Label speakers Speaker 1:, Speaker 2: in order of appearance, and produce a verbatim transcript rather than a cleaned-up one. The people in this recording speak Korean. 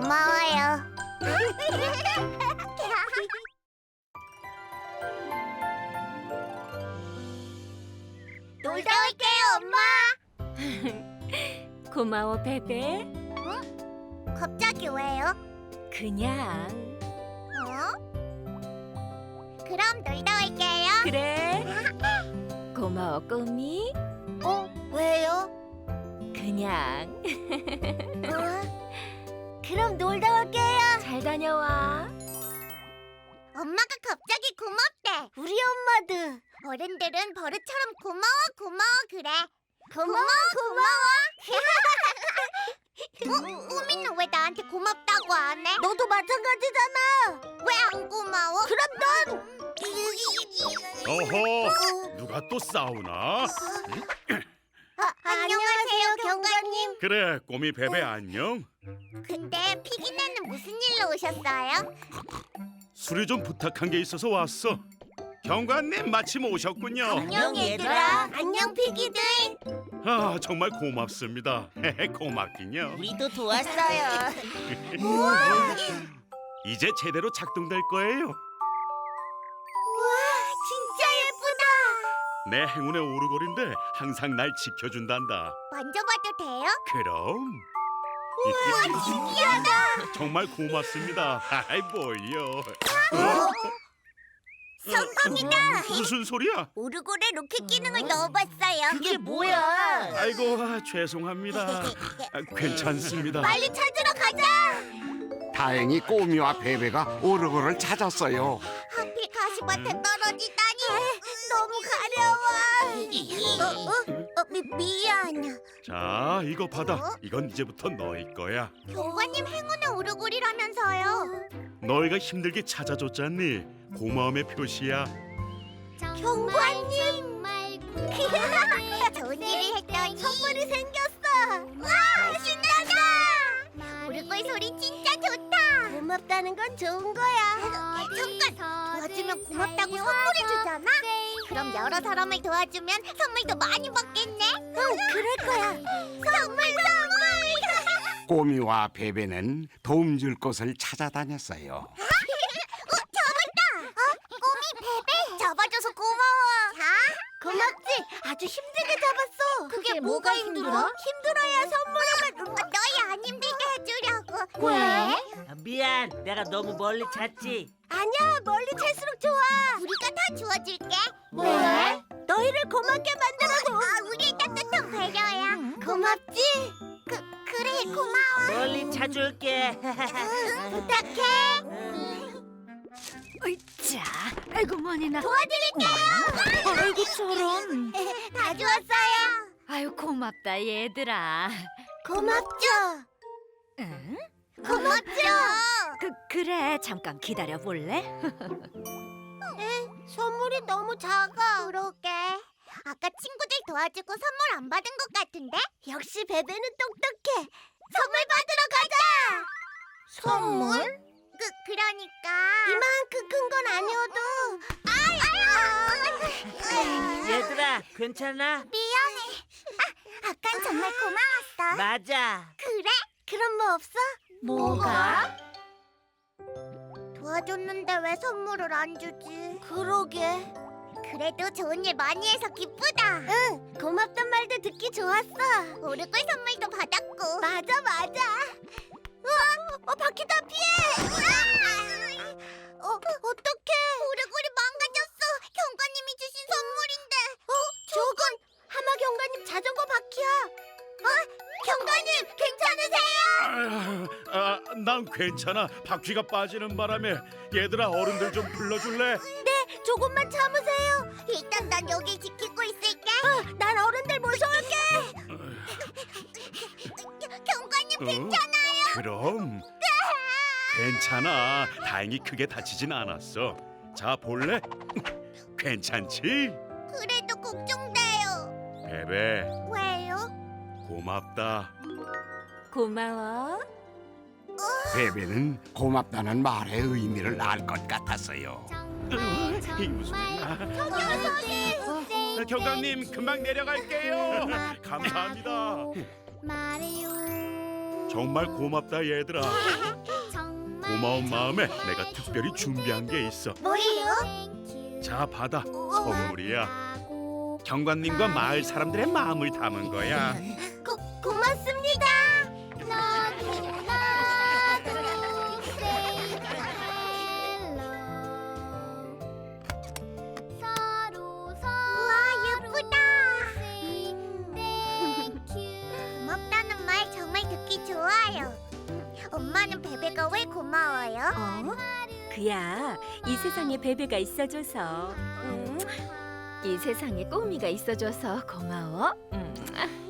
Speaker 1: 고마워요. 놀다 올게요, 엄마.
Speaker 2: 고마워, 베베.
Speaker 1: 갑자기 왜요?
Speaker 2: 그냥.
Speaker 1: 어? 그럼 놀다 올게요.
Speaker 2: 그래. 고마워, 꼬미.
Speaker 1: 어? 왜요?
Speaker 2: 그냥.
Speaker 1: 어? 그럼 놀다 올게요.
Speaker 2: 잘 다녀와.
Speaker 1: 엄마가 갑자기 고맙대. 우리 엄마도. 어른들은 버릇처럼 고마워 고마워 그래. 고마워 고마워. 어? 꾸미는 왜 나한테 고맙다고 안 해? 너도 마찬가지잖아. 왜 안 고마워? 그럼 넌.
Speaker 3: 어허, 누가 또 싸우나?
Speaker 1: 아, 안녕하세요 경관님.
Speaker 3: 그래, 꼬미 베베 안녕.
Speaker 1: 근데 피기네는 무슨 일로 오셨어요?
Speaker 3: 수리 좀 부탁한 게 있어서 왔어. 경관님 마침 오셨군요.
Speaker 1: 안녕 얘들아. 안녕 피기들.
Speaker 3: 아, 정말 고맙습니다. 고맙긴요.
Speaker 4: 우리도 도왔어요.
Speaker 3: 이제 제대로 작동될 거예요.
Speaker 1: 우와 진짜 예쁘다.
Speaker 3: 내 행운의 오르골인데 항상 날 지켜준단다.
Speaker 1: 만져봐도 돼요?
Speaker 3: 그럼.
Speaker 1: 우와 신기하다.
Speaker 3: 정말 고맙습니다. 아이 뭐요?
Speaker 1: 성공이다.
Speaker 3: 무슨 소리야?
Speaker 1: 오르골에 로켓 기능을 넣어봤어요.
Speaker 4: 그게 뭐야?
Speaker 3: 아이고, 아, 죄송합니다. 아, 괜찮습니다.
Speaker 1: 빨리 찾으러 가자.
Speaker 5: 다행히 꼬미와 베베가 오르골을 찾았어요.
Speaker 1: 하필 가시밭에 떨어지다니. 너무 가려워. 어, 어, 어, 미, 미안.
Speaker 3: 자, 이거 받아. 이건 이제부터 너희 거야.
Speaker 1: 경관님 행운의 오르골이라면서요.
Speaker 3: 너희가 힘들게 찾아줬잖니. 고마움의 표시야.
Speaker 1: 경관님. 좋은 일을 했더니 선물이 생겼어. 와 신나다. 오르골 소리 진짜 좋다. 고맙다는 건 좋은 거야. 잠깐 도와주면 고맙다고 선물을 주잖아. 그럼 여러 사람을 도와주면 선물도 많이 받겠네. 응 그럴 거야. 선물 선물.
Speaker 5: 꼬미와 베베는 도움 줄 곳을 찾아다녔어요.
Speaker 1: 잡아줘서 고마워. 자, 고맙지. 아주 힘들게 잡았어. 그게 뭐가 힘들어? 힘들어야 선물을 너희 안 힘들게 해주려고. 왜?
Speaker 4: 아, 미안, 내가 너무 멀리 잤지.
Speaker 1: 아니야, 멀리 찰수록 좋아. 우리가 다 주워줄게. 왜? 너희를 고맙게 만들어서. 아, 우리의 따뜻한 배려야. 고맙지? 그 그래 고마워.
Speaker 4: 멀리 차줄게.
Speaker 1: 부탁해.
Speaker 2: 으이짜. 아이고, 머니나.
Speaker 1: 도와드릴게요.
Speaker 2: 아이고, 저런.
Speaker 1: 다 주웠어요.
Speaker 2: 아유, 고맙다, 얘들아.
Speaker 1: 고맙죠.
Speaker 2: 응?
Speaker 1: 고맙죠.
Speaker 2: 그, 그래. 잠깐 기다려 볼래?
Speaker 1: 선물이 너무 작아. 그러게. 아까 친구들 도와주고 선물 안 받은 것 같은데? 역시 베베는 똑똑해. 선물 받으러 가자. 선물? 그 그러니까 이만큼 큰 건 아니어도. 아이,
Speaker 4: 얘들아, 괜찮아?
Speaker 1: 미안해. 아, 아깐 정말 고마웠어.
Speaker 4: 맞아.
Speaker 1: 그래? 그럼 뭐 없어?
Speaker 2: 뭐가?
Speaker 1: 도와줬는데 왜 선물을 안 주지? 그러게. 그래도 좋은 일 많이 해서 기쁘다. 응, 고맙단 말도 듣기 좋았어. 오르골 선물도 받았고. 맞아, 맞아. 우와, 어, 바퀴다 피해. 어, 어떡해. 오르골이 망가졌어. 경관님이 주신 선물인데. 어, 저건 하마 경관님 자전거 바퀴야. 어, 경관님 괜찮으세요?
Speaker 3: 아, 아, 난 괜찮아. 바퀴가 빠지는 바람에. 얘들아, 어른들 좀 불러줄래?
Speaker 1: 네, 조금만 참으세요. 일단 난 여기 지키고 있을게. 어, 난 어른들 모셔올게. 경관님
Speaker 3: 어?
Speaker 1: 괜찮아요?
Speaker 3: 그럼. 괜찮아. 다행히 크게 다치진 않았어. 자, 볼래? 괜찮지?
Speaker 1: 그래도 걱정돼요.
Speaker 3: 베베,
Speaker 1: 왜요?
Speaker 3: 고맙다.
Speaker 2: 고마워.
Speaker 5: 베베는 고맙다는 말의 의미를 알 것 같았어요.
Speaker 3: 이게 무슨 일이야?
Speaker 1: 저기 저기.
Speaker 3: 경감님, 금방 내려갈게요. 감사합니다.
Speaker 1: 말해요.
Speaker 3: 정말 고맙다 얘들아. 고마운 마음에 내가 특별히 준비한 게 있어.
Speaker 1: 뭐예요?
Speaker 3: 자 받아, 선물이야. 경관님과 마을 사람들의 마음을 담은 거야.
Speaker 1: 고, 고맙습니다. 우와, 예쁘다. 고맙다는 말 정말 듣기 좋아요. 엄마는 베베가 왜 고마워요?
Speaker 2: 어? 그야 이 세상에 베베가 있어줘서. 음. 이 세상에 꼬미가 있어줘서 고마워. 음.